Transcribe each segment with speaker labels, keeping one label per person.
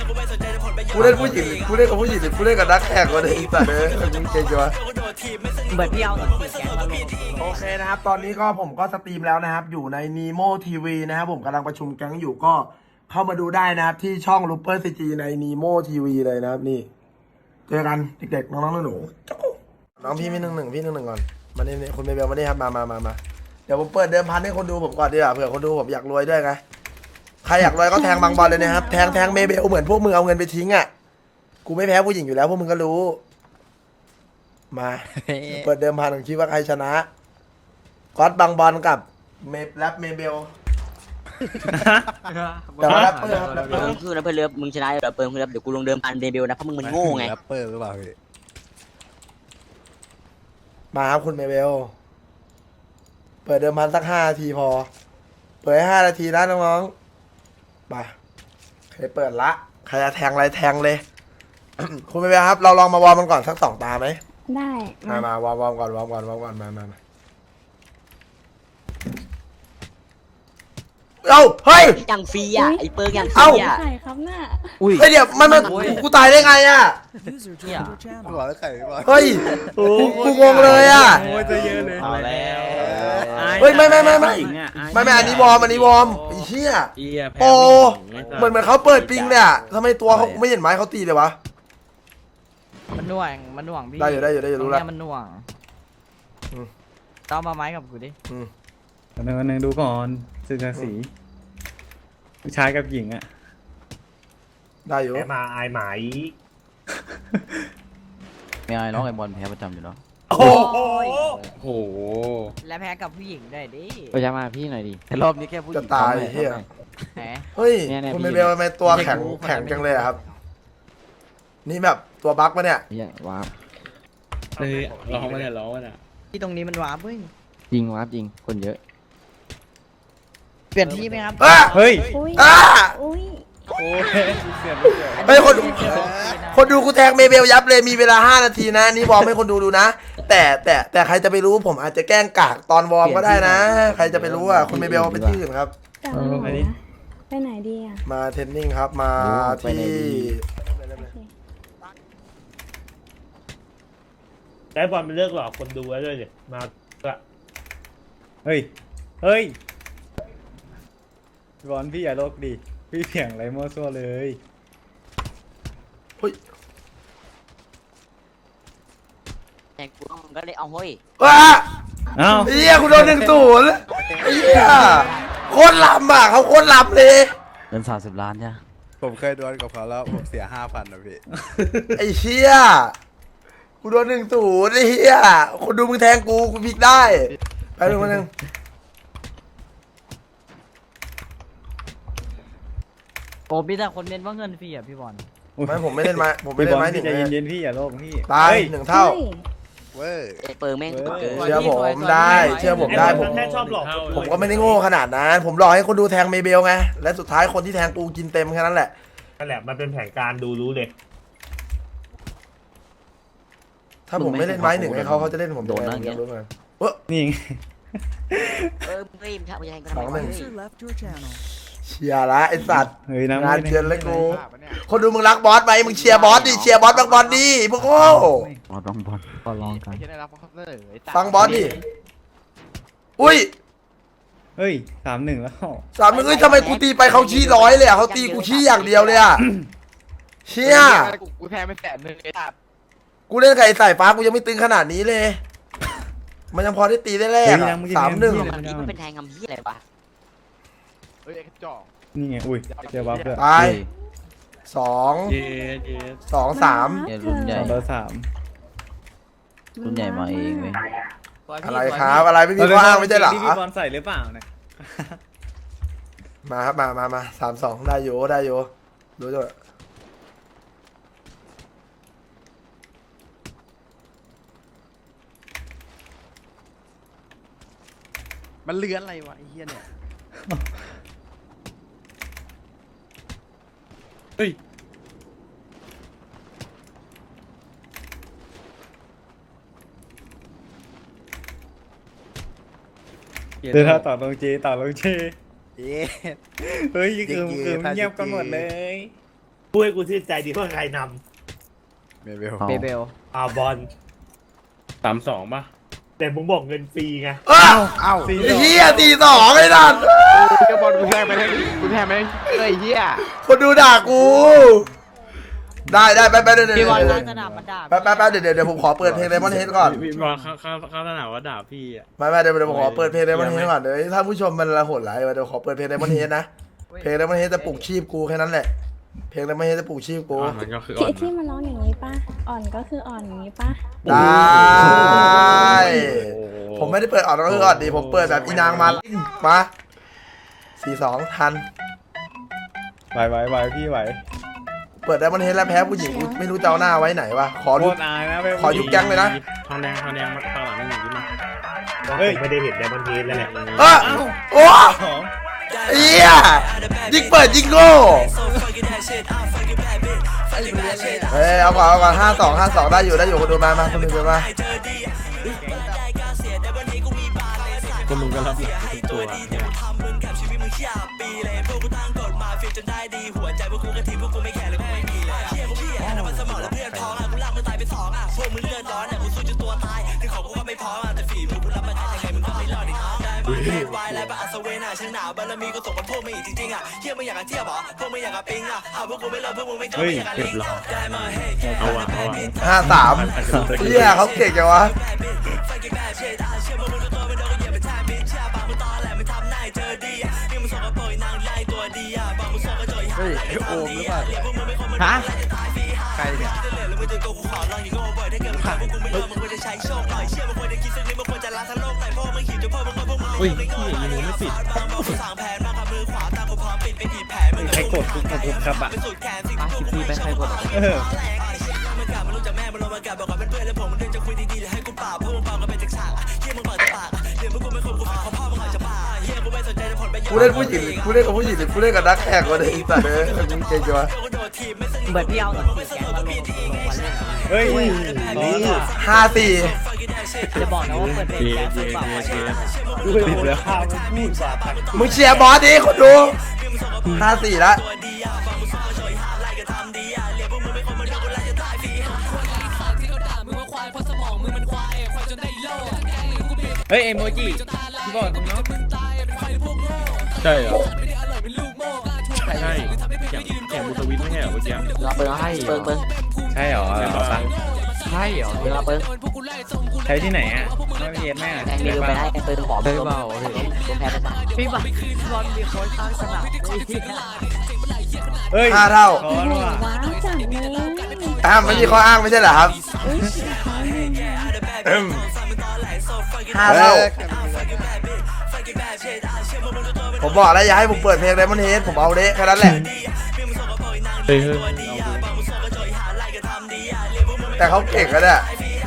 Speaker 1: กูเล่นผู้หญิงกูเล่นกับผู้หญิงหรือกูเล่นกับนักแข่งก็ได้แต่เด้อมึงเก่งจังวะ
Speaker 2: เหมือนพี่เอาสีแกงมาลง
Speaker 1: โอเคนะครับตอนนี้ก็ผมก็สตรีมแล้วนะครับอยู่ใน Nemo TV นะครับผมกำลังประชุมแก๊งอยู่ก็เข้ามาดูได้นะครับที่ช่อง Looper CG ใน Nemo TV เลยนะครับนี่เจอกันเด็กๆน้องๆหนูๆน้องพี่พี่11ก่อนมาเนี่ยคุณเบลมาเนี่ยครับมาเดี๋ยวผมเปิดเดิมพันให้คนดูผมก่อนดีกว่าเผื่อคนดูผมอยากรวยด้วยไงใครอยากรวยก็แทงบางบอลเลยนะครับแทงเมเบลเหมือนพวกมึงเอาเงินไปทิ้งอ่ะกูไม่แพ้ผู้หญิงอยู่แล้วพวกมึงก็รู้มาเปิดเดิมพันผมคิดว่าใครชนะก๊อตบางบอลกับแรปเมเบลแต่ว่าแรปเปอร์ครับแรปเปอร์
Speaker 2: คือแล้วเพื่อนเลือบมึงชนะเดี๋ยวเปิดเลือบเดี๋ยวกูลงเดิมพันเดบิวนะเพราะมึงมันโง่ไง
Speaker 3: แรปเปอร์หรือเปล่าพี่
Speaker 1: มาครับคุณเมเบลเปิดเดิมพันสัก5 นาทีพอเปิดให้5 นาทีนะน้องๆมาใครเปิดละใครจะแทงอะไรแทงเลย คุณเมเบลครับเราลองมาวอร์มมันก่อนสัก2 ตาไหม
Speaker 4: ได้
Speaker 1: มาวอร์มก่อนวอร์มก่อนมาเอ้าเฮ้ย
Speaker 2: อย่างฟรีอ่ะไอ้เปิร์กอย่างฟ
Speaker 1: เอ้า
Speaker 2: รีอ่ะ
Speaker 4: ใช่ครับน่ะ
Speaker 1: เฮ้ยเดี๋ยวมันกูตายได้ไงอ่ะ
Speaker 3: บอกแล้วไข่บอก
Speaker 1: เฮ้ยกูงงเลยอ่ะ
Speaker 3: โอ้ยจะเยอะเลย
Speaker 5: เอาแล้ว
Speaker 1: เฮ้ยไม่อันนี้วอร์มไอ้เหี้ยโอ้เหมือนเขาเปิดปิงเนี่ยทำไมตัวเขาไม่เห็นไม้เขาตีเลยวะ
Speaker 5: มันหน่วงพี่
Speaker 1: ได้อยู่รู้ละ
Speaker 5: ตรงเนี้ยมันหน่วง
Speaker 1: อืม
Speaker 5: ต้องมาไม้กับกูดิ
Speaker 6: วันหนึ่งดูก่อนศึกษาสีผู้ชายกับหญิงอ่ะ
Speaker 1: ได้อยู่
Speaker 7: แพ้มาอายไหม
Speaker 8: ไม่อายน้องไอ้บอลแพ้ประจำอยู่เนาะ
Speaker 1: โอ้โห
Speaker 6: โห
Speaker 5: และแพ้กับผู้หญิงได้ดิ
Speaker 8: ไปจะมาพี่หน่อยดิแต่รอบนี้แค่ผู้หญิ
Speaker 1: จะ
Speaker 8: ง
Speaker 1: ตาย
Speaker 8: ทำหน่อ
Speaker 1: เฮีย
Speaker 5: แหม
Speaker 1: เฮ้ย
Speaker 8: เนี่ย
Speaker 1: คุณ
Speaker 8: พี่
Speaker 1: เบลทำไมตัวแข็งจังเลยอะครับ นี่แบบตัวบั๊กปะเนี่ย
Speaker 8: เนี่ยว้าบ
Speaker 6: เฮ้ยร้องมาเนี่ย
Speaker 5: ที่ตรงนี้มันว้าเว้ย
Speaker 8: จริงว้าบจริงคนเยอะ
Speaker 5: เปลี่ยนที่ไหมครับ
Speaker 1: อ่ะ
Speaker 6: เฮ้ย
Speaker 4: อุ้ย
Speaker 1: อ่ะ
Speaker 4: อุ้ย
Speaker 6: โอ้ยเสียบ
Speaker 1: เฮ้ยคนดูกูแทงเมเบลยับเลยมีเวลา5 นาทีนะนี่วอร์มให้คนดูนะ แต่ใครจะไปรู้ผมอาจจะแกล้งกากตอนวอร์มก็ได้นะ ใครจะไปรู้อ่ะคุณเมเบลไปที่อื่นครับ
Speaker 4: กลับมาไหนนะไปไหนดีอ่ะ
Speaker 1: มาเทรนนิ่งครับมาที่
Speaker 7: ได้บอลมันเลิกหลอกคนดูแล้วด้วยเนี่ยมาก็
Speaker 6: เฮ้ยบอลพี่อย่าโลกดิพี่เสียงไรมั่วซั่วเลย
Speaker 1: เฮ้ย
Speaker 2: แต่กูต้องก็เลยเอาเฮ้ย
Speaker 1: ว้า
Speaker 6: เอ้า
Speaker 1: เฮียคุณโดน1-0เฮียโคตรลำอ่ะเขาโคตรลำเลย
Speaker 8: เงิน30 ล้านเนี่ย
Speaker 3: ผมเคยดวลกับเขาแล้วผมเสีย5,000นะพี่
Speaker 1: ไอ้เชี่ยกูโดน1-0ไอ้เฮียคนดูมึงแทงกูพลิกได้ไปหนึ่งมาหนึ่ง
Speaker 5: โอ้มีแต่คนเน้นว่าเงินฟรีอ่ะพี่บอล
Speaker 1: ไม่ผมไม่เล่นไม้ผมไม่
Speaker 6: พี่
Speaker 1: เล่
Speaker 6: บ
Speaker 1: น
Speaker 6: อล
Speaker 1: ไม้
Speaker 6: พี่
Speaker 1: ถึง
Speaker 6: ใจ
Speaker 1: เลย
Speaker 6: เย็นๆพี่อย่าโลกพี่
Speaker 1: ตาย
Speaker 6: เฮ้ย
Speaker 1: 1 เท่า
Speaker 3: เว้ย
Speaker 2: ไอ้เปิร์กแม่งตัวเกิน
Speaker 1: เชื่อผมได้เชื่อผมได้
Speaker 7: ไอ้
Speaker 1: ผ
Speaker 7: บอ
Speaker 1: ม
Speaker 7: ลแค่ชอบหลอกคนดู
Speaker 1: ผมก็ไม่ได้โง่ขนาดนั้นผมรอให้คนดูแทงเมเบลไงและสุดท้ายคนที่แทงกูกินเต็มแค่นั้นแหละ
Speaker 7: นั่นแหละมันเป็นแผนการดูรู้เลย
Speaker 1: ถ้าผมไม่เล่นไม้1ให้เขาจะเล่นผมยังไงผมอยากรู้เหมือนกัน
Speaker 6: นี่ไง
Speaker 2: มึงเฮ้ยมึงทำยังไงก็ทำไม
Speaker 1: เชียร์ละไอสัตว์
Speaker 6: เฮ้ยน้ำ
Speaker 1: งานเกินเลยกูคนดูมึงรักบอสไหมมึงเชียร์บอสดิเชียร์บอสบางบอลดิพวกโง่
Speaker 8: บอลบอลก็ลองกัน
Speaker 1: ฟังบอสดิอุ้ย
Speaker 6: เฮ้ย3-1แล้ว
Speaker 1: 3มึงเอ้ยทำไมกูตีไปเขาชี้100เลยอ่ะเขาตีกูชี้อย่างเดียวเลยอ่ะเชี่ย
Speaker 5: กูแพ้ไป100,000ไอ้ตัด
Speaker 1: กูเล่นกับไอ้สายฟ้ากูยังไม่ตึงขนาดนี้เลย มันยังพอได้ตีได้แรกอะ3-1
Speaker 2: ฝั่งนี้มันเป็นแทงคำพี่อะไรวะ
Speaker 6: นี่ไงอุ้ยเจอบัฟด้วย
Speaker 1: ตาย2 2-3
Speaker 8: เนี่ยรุ่นใหญ่
Speaker 6: 2-3
Speaker 8: รุ่นใหญ่มาเองเว้ย
Speaker 1: อะไรครับอะไรไม่มีข้ออ้างไม่ใช่เหรอ
Speaker 6: ที่พี่บอลใส่หรือเปล่าเนี่ย
Speaker 1: มาครับมา3-2ได้อยู่ดูด้วย
Speaker 3: มันเลื้อนอะไรวะไอ้เหี้ยเนี่ย
Speaker 6: เฮ้ยเดินต่อลงเจ
Speaker 3: เย้
Speaker 6: เฮ้ยคือเงียบกันหมดเลย
Speaker 7: พูพูดให้กูชื่นใจดีว่าใครน
Speaker 3: เมเบล
Speaker 5: เบเบล
Speaker 7: ำบอล32ป่ะแต่มึงบอกเงินฟรีไง
Speaker 1: เอ้า
Speaker 3: เอ้า
Speaker 1: ไอ้เฮีย42ไอ้นั่น
Speaker 5: ก็บอลกูแทงไปเลยกูแทงไปเลยเฮีย
Speaker 1: คนดูด่ากู ได้ไปเดี๋ยว
Speaker 5: พี่บอลร้านสนามมันด่า
Speaker 1: ไปเดี๋ยวผมขอเปิดเพลง Diamond Head ก่อน
Speaker 7: พี่บอลเขาสนามว่าด่าพี่อ่ะ
Speaker 1: ไม่เดี๋ยวผมขอเปิดเพลง Diamond Head ก่อนเดี๋ยวถ้าผู้ชมมันละโหดร้ายเดี๋ยวขอเปิดเพลง Diamond Head นะเพลง Diamond Head จะปลุกชีพกูแค่นั้นแหละเพลง Diamond Head จะปลุกชีพกู
Speaker 7: มันก็คือ
Speaker 4: ที่มันร้องอย่างนี้ป่ะ อ่อนก็คืออ่อนอย่างนี้ป่ะ
Speaker 1: ได้ผมไม่ได้เปิดอ่อนก็คืออ่อนดีผมเปิดแบบอีนางมา42ทัน
Speaker 6: ไหวพี่ไหว
Speaker 1: เปิด Diamond Head แล้วแพ้ผู้หญิงกูไม่รู้จะเอาหน้าไว้ไหนวะขอ
Speaker 6: โค
Speaker 1: ดู
Speaker 6: ตรอายนะ
Speaker 1: ขอยุบแก๊งเลยนะ
Speaker 7: ทองแดงมาตลาดนี่ดีมาก
Speaker 6: เฮ้ย
Speaker 7: ไม่ได้เห็นไดมอนด์เฮดแล้วแหละ
Speaker 1: โอ้เฮียยิงเปิดยิงโง่เอาก่อน52ได้อยู่คนดูมาคนดูมา
Speaker 7: ก็มึงก็รับหลักทุกตัว
Speaker 6: เฮ้ย
Speaker 7: เก็บหลอดเอาว่ะ
Speaker 1: 53เฮียเขาเก่งจังวะ
Speaker 3: เฮ้ยโอมหรือเปล่า
Speaker 5: ฮะ
Speaker 3: ใครเนี่ย
Speaker 7: อุ้ยพี่ยิงไม่ปิด
Speaker 6: ใครกดทุกครับอ่ะ
Speaker 5: พี่ไปใครกด
Speaker 6: เออ
Speaker 1: กูเล่นผู้หญิงกูเล่นกับผู้หญิงหรือกูเล่นกับนักแข่งวะเนี่ยไอ้สัตว์มึงเก่งจังวะ
Speaker 5: เหมือนพี่เอาหนังสือแกงมาลงวันเล่น
Speaker 6: เฮ้ย
Speaker 1: 54
Speaker 5: จะบอกนะว่าเปิดเพลงแกงคือแบบวันเล่น
Speaker 7: ดูไปหมดแล้วข้าวมันพูดว่าตัก
Speaker 1: มึงเชียร์บอสดิคนดู54ละ
Speaker 6: เฮ้ยเอโมจิพี่บอกตรงเนาะ
Speaker 7: ใช่เหรอใช่แข่งบูสวิตไม่ใช่เหรอเมื่อกี้
Speaker 2: เราเปิงให้เปิง
Speaker 6: ใช่เหรอ
Speaker 2: ใช่เหรอเราเปิง
Speaker 6: ใช้ที่ไหนอ่ะไม่เย็นแม่
Speaker 2: แทงเดียวไปได้แทงเปิงขอเปิงเบาผมแพ้ไปซะ
Speaker 5: พี่บอลมีโค้ชข้างสนาม
Speaker 6: เฮ้ย
Speaker 1: 5 เท่า
Speaker 6: ขอแล้วอ่ะ
Speaker 4: ว้าวจังเลย
Speaker 1: ไม่มีข้ออ้างไม่ใช่เหรอครับ
Speaker 4: อุ้ยสุดท้ายเลย
Speaker 1: 5 เท่าผมบอกแล้วอย่าให้ผมเปิดเพลงDiamond Headผมเอาเละแค่นั้นแหละ
Speaker 7: เฮ้ย
Speaker 1: แต่เขาเก่งกันเนี่ย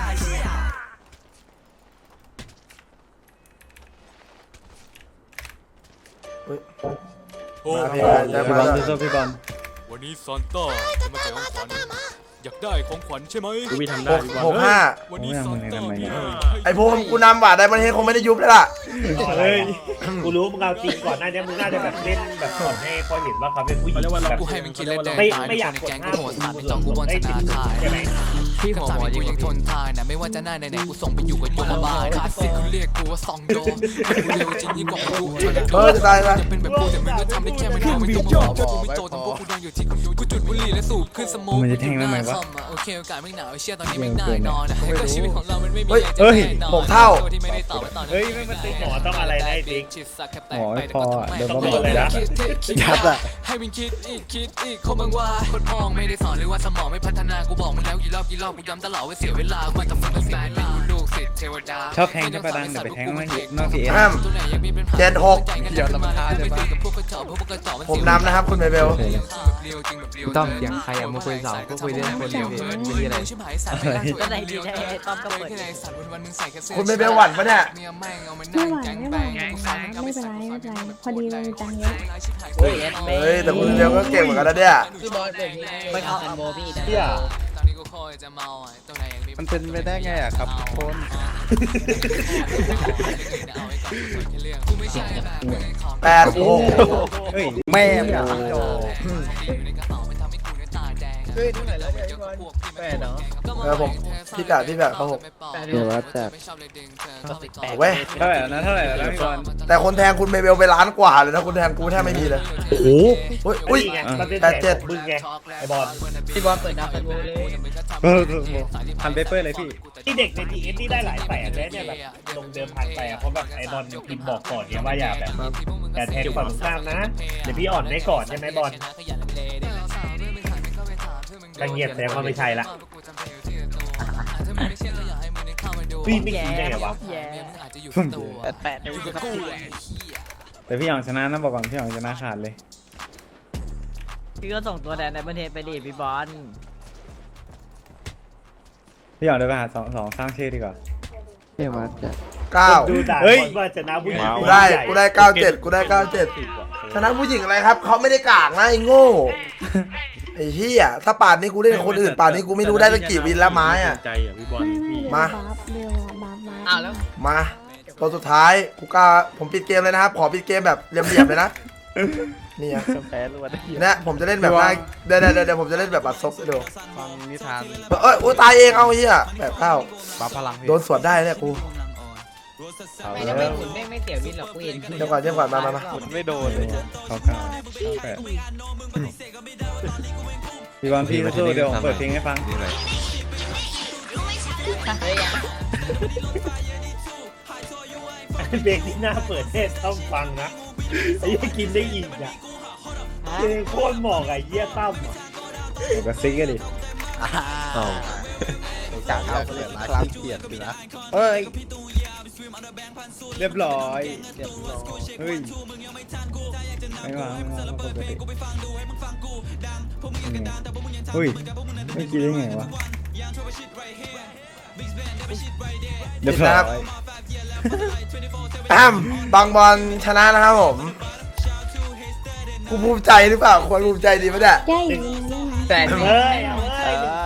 Speaker 1: มาเพลงอะไร
Speaker 6: พี่บอล
Speaker 1: มา
Speaker 6: สู้ๆพี่บอล
Speaker 9: วันนี้ซานต้าจะมาแจกของขวัญอยากได้ของขวัญใช่ไหม
Speaker 7: กูมีทำได้ดีกว่า
Speaker 1: 65
Speaker 9: วันนี้ซานต้ามีให้
Speaker 1: ไอ้พวกกูนำว่ะDiamond Headคงไม่ได้ยุบแล้วล่ะ
Speaker 7: เฮ้ยกูรู้มึงเอาจริงก่อนหน้านี้มึงน่าจะแบบเล่นแบบสอนให้พอเห็นว่าเขาเป็นผู้หญิงแบบ
Speaker 9: กูให้มันคิดเล่นแดง
Speaker 7: ไม่อยากกดหน้ากูจองกูบอลชนะใช่ไหม
Speaker 9: พี่หัวหมอยังทนทานนะไม่ว่าจะหน้าไหนๆกูส่งไปอยู่กับตัวบ้าคลาสสิกกูเรียกกูว่าซองโดกูเร็วจริงยิ่งกว่ากู
Speaker 1: จะตายละ
Speaker 9: จะเป็นแบบกูแต่มึงก็ทำได้แค่ไม่รู้ไม่ต้องมาบอกกูไม่โตทั้งพวกกูดังอยู่ที่กูจุดบุหรี่และสูบขึ้นสโมกโอเคโอกาสไม่หนาวเชื่อตอนนี้ไม่น่านอนก็ชีวิตของเรามันไม่มีอะไรจะแน่นอนที่ไม่ได้ตอบว่าตอนนี้
Speaker 7: หมอต้องอะไรนะไอ้ติ๊ก
Speaker 6: หมอไม่พอเดี๋ยว
Speaker 7: หมออะไรนะ
Speaker 9: ยัดอะให้มันคิดอีกเขาบังว่าคนมองไม่ได้สอนหรือว่าสมองไม่พัฒนากูบอกมึงแล้วกี่รอบกูย้ำตลอดว่าเสียเวลาคุยกับมึงตั้งแต่เป็นลูกศิษย์เทวดา
Speaker 6: ชอบแทงใช่ปะดังเดี๋ยวไปแทงนอกพีเอส
Speaker 1: ห้าม
Speaker 9: เดี๋ยวลำคาญเลยปะ
Speaker 1: ผมนำนะครับคุณเบล
Speaker 8: ต้องเสียงใครอะมาคุยสาวก็คุยเรื่องคนเดียวพี่ไม่มีอะไร
Speaker 5: ก็ไหนดีได้ต้อมก็เปิด
Speaker 1: คุณเบลหวั่นปะเนี่ย
Speaker 4: ไม่หวานไม่หวานไม่เป็นไรพอดีเรามีตังค์เยอะ
Speaker 1: เฮ้ยแต่คุณเบลก็เก่งเหมือนกันนะเนี่ย
Speaker 5: ไปเอาอันโบพี่
Speaker 7: เที่ย
Speaker 3: มันเป็นไปได้ไงอะครับทุกคน
Speaker 1: 86
Speaker 6: เฮ้ย
Speaker 3: แม่
Speaker 6: โอ้
Speaker 1: ผมพี่กะครับผม
Speaker 5: เดี๋ยวว่าจะ
Speaker 1: เอาเว้ย
Speaker 6: เท่าไหร่แล้วนะเท่าไหร่แล้วนะพี่บอล
Speaker 1: แต่คนแทงคุณเมเบลไปล้านกว่าเลยนะคุณแทงกูแทบไม่มีเลย
Speaker 7: โอ้โห
Speaker 1: อุ้ย 87
Speaker 7: มึงไงไอ้บอล
Speaker 8: พี่บอลเปิดดับไปเลย
Speaker 6: ทำเปเปอร์เลยพี่
Speaker 7: ที่เด็กในทีเอสที่ได้หลายแสนเลยเนี่ยแบบลงเดิมพันไปอ่ะเพราะแบบไอ้บอลพิมพ์บอกก่อนเนี่ยว่าอย่าแบบอย่าแทงฝั่งตรงข้ามนะเดี๋ยวพี่อ่อนให้ก่อนใช่ไหมบอลถ้าเงียบแสดงว่าไม่ใช่ละพี่ไม่คิดได้ไงวะ
Speaker 6: แต่พี่หยองชนะนะบอกก่อนพี่หยองชนะขาดเลย
Speaker 8: พี่ก็ส่งตัวแทนในประเทศไปดิพี่บอล
Speaker 6: พี่หยองเดินไปหาสองสร้างชื่อดีกว่า
Speaker 5: เดี๋ยวว่าจะ
Speaker 1: 9
Speaker 7: ดูด่า
Speaker 6: เฮ้ย
Speaker 7: ว่าชนะผู้หญิง
Speaker 1: กูได้ 97 กูได้ 97 ชนะผู้หญิงอะไรครับ เขาไม่ได้กากนะไอ้โง่ ไอ้เหี้ยถ้าป่านนี้กูเล่นกับคนอื่นป่านนี้กูไม่รู้ได้ตั้งกี่วินแล้วไม้อะ
Speaker 7: ใจอ่ะพี่บอล
Speaker 4: ไม่
Speaker 7: พี่
Speaker 4: เดี๋ยว
Speaker 1: มา
Speaker 4: บัฟเดี๋ยวบัฟ
Speaker 8: อ้าวแล้ว
Speaker 1: มาตัวสุดท้ายกูกล้าผมปิดเกมเลยนะครับ ขอปิดเกมแบบเรียบๆเลยนะนี่อะ
Speaker 5: แพ้รวด
Speaker 1: เนี่ยผมจะเล่นแบบหน้าเดี๋ยวผมจะเล่นแบบบัตรซบให้ดู
Speaker 3: ฟังนิทาน
Speaker 1: เอ้ยโอ้ตายเองเอาเหี้ยแบบเข้า
Speaker 3: บัฟพลังพี่
Speaker 1: โดนสวนได้เนี่ยกู
Speaker 8: ไม่ได้ไม่ขุนไม่เสียวินหรอกกูเห็น
Speaker 1: เดี๋ยวก่อนมา
Speaker 3: ไม่โดนเลย
Speaker 6: เขาเก้าแปดพี่บอลพี่สู้ๆเดี๋ยวผมเปิดเพลงให้ฟัง
Speaker 3: นี่เลย
Speaker 7: เบรกที่หน้าเปิดเทศต้องฟังนะไอ้ยี่กินได้อีกอ่ะเพลงโคตรเหมาะกับไอ้เยี่ยตั้มอ่ะ
Speaker 6: ผมก็ซิกกันดิ
Speaker 3: จากเราเปลี่ยนคลาสเปลี่ยนไปนะ
Speaker 6: เฮ้ยเรียบร้อยเฮ้ยไม่วางปกติเฮ้ยไม่คิดได้ไงวะเรียบร้อย
Speaker 1: แอมบางบอลชนะนะครับผมกูภูมิใจหรือเปล่าควรภูมิใจดีปะเนี่ย
Speaker 4: แก้อีกนิดนึงได้ไหม
Speaker 8: แต่
Speaker 7: เฮ้ยเอาเว้ย